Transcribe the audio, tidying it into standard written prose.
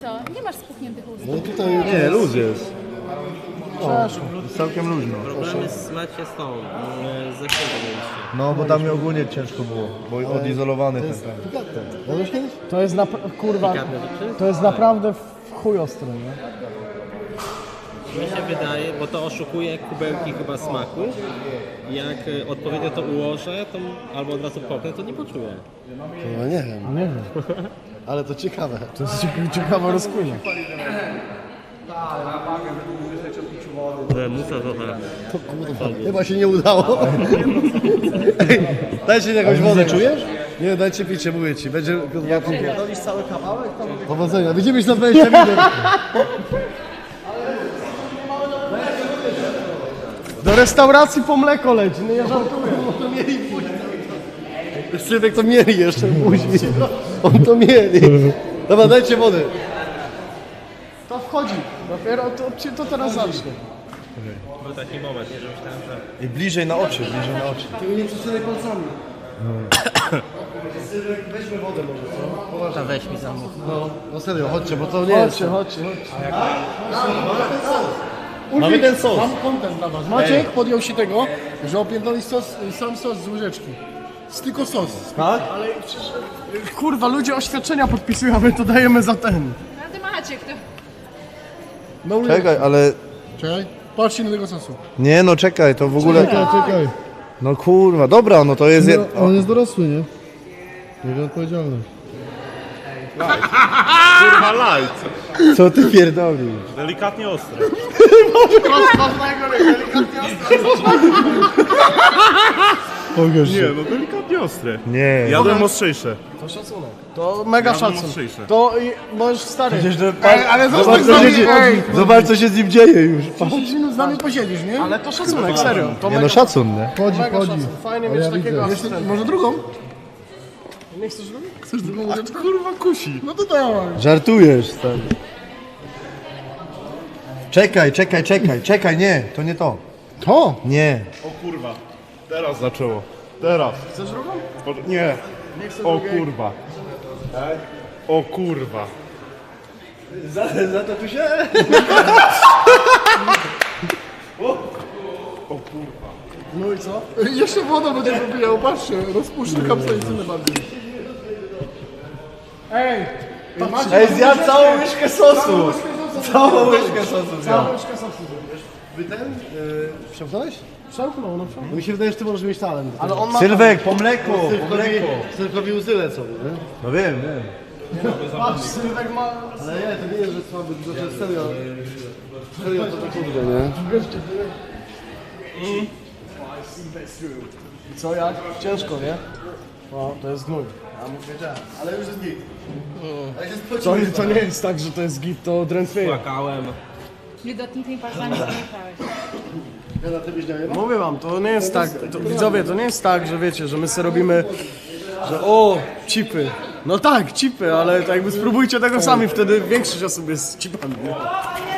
Co? Nie masz spuchniętych ust. No tutaj Nie, luz jest. przeszło. Jest całkiem luźno. Problem jest macie z tą, ze mieliście. No bo tam mi ogólnie ciężko było, bo odizolowany ten. Jadłeś kiedyś? To jest kurwa, to jest naprawdę w chuj ostro, nie? Mi się wydaje, bo to oszukuje kubełki chyba smaku. Jak odpowiednio to ułożę, to albo od razu popnę, to nie poczuję. No nie wiem, Nie wiem, ale to ciekawe. to jest ciekawa rozkmina. Musa to tak. To kurwa, chyba się nie udało. Ej, dajcie mi jakąś wodę. Czujesz? Nie, dajcie picie, mówię ci. Będzie kurwa... Pierdolisz cały kawałek? Powodzenia, widzimy się za 20 minut. Do restauracji po mleko leci, no ja żartuję. Sylwek to mieli jeszcze później. On to mieli. Dobra, dajcie wody. To wchodzi, dopiero to teraz zacznie. Był taki moment, nie, że myślałem, że... I bliżej na oczy, bliżej na oczy. Tylko nie przecinaj palcami. Sylwek, weźmy wodę może, co? To weź mi zamów. No serio, chodźcie, bo to nie jest... Chodźcie. Mamy ten sos. Mam kontent dla was. Maciek podjął się tego, że opierdoli sam sos z łyżeczki. Jest tylko sos. Tak? Ale przecież, kurwa, ludzie oświadczenia podpisują, a my to dajemy za ten. No ty Maciek, to... No, Czekaj, ale... Czekaj, patrzcie na tego sosu. Nie no, czekaj, to w ogóle... Czekaj. No kurwa, dobra, no to jest... On jest dorosły, nie? Jego odpowiedzialność. Kurwa light. Co ty pierdolisz? Delikatnie ostre. Nie, no delikatnie ostre. Nie. Jadłem ostrzejsze. To szacunek. To mega szacunek. mocniejsze. To możesz stary. Ale zobacz, co się dzieje. Zobacz co się z nim dzieje już. 10 minut z nami posiedzisz, nie? Ale to szacunek, serio. To Nie no, szacun, nie? mega szacunek. Fajnie mieć takiego asystenta. Może drugą? Nie chcesz drugą? Chcesz drugą łyżeczkę? Kurwa kusi. No to dawaj. Żartujesz, stary. Czekaj, nie, to nie to. To? Nie. O kurwa. Teraz zaczęło. Teraz. Chcesz drugą? Nie. Nie chcę O drugiej. kurwa. O kurwa. Za to tu się... No i co? Jeszcze woda będzie popijał, patrzcie, rozpuszczę kapsaicynę bardziej. Ej! Ej, zjadł całą łyżkę sosu. Całą łyżkę sosu zjadł. Całą łyżkę sosu. Wy ten? Przełknąłeś? Przełknął, no przełknął. Mi się wydaje, że ty możesz mieć talent. Ale on ma... Sylwek, po mleko, Sylwkowi łzy lecą, nie? No wiem, wiem. Patrz, Sylwek ma... Ale nie, to nie jest, że słaby, tylko że serio. Serio to tak kurde, nie? I co, jak? Ciężko, nie? No, to jest gnój. Ale już jest git. To nie jest tak, że to jest git, to drętwieje. Płakałem. Wilgotnymi palcami zamieszałeś. Ja na tym nie Mówię wam, to nie jest tak, widzowie, to nie jest tak, że wiecie, że my sobie robimy, że o, chipy. No tak, chipy, ale to jakby spróbujcie tego sami, wtedy większość osób jest z chipami. Nie?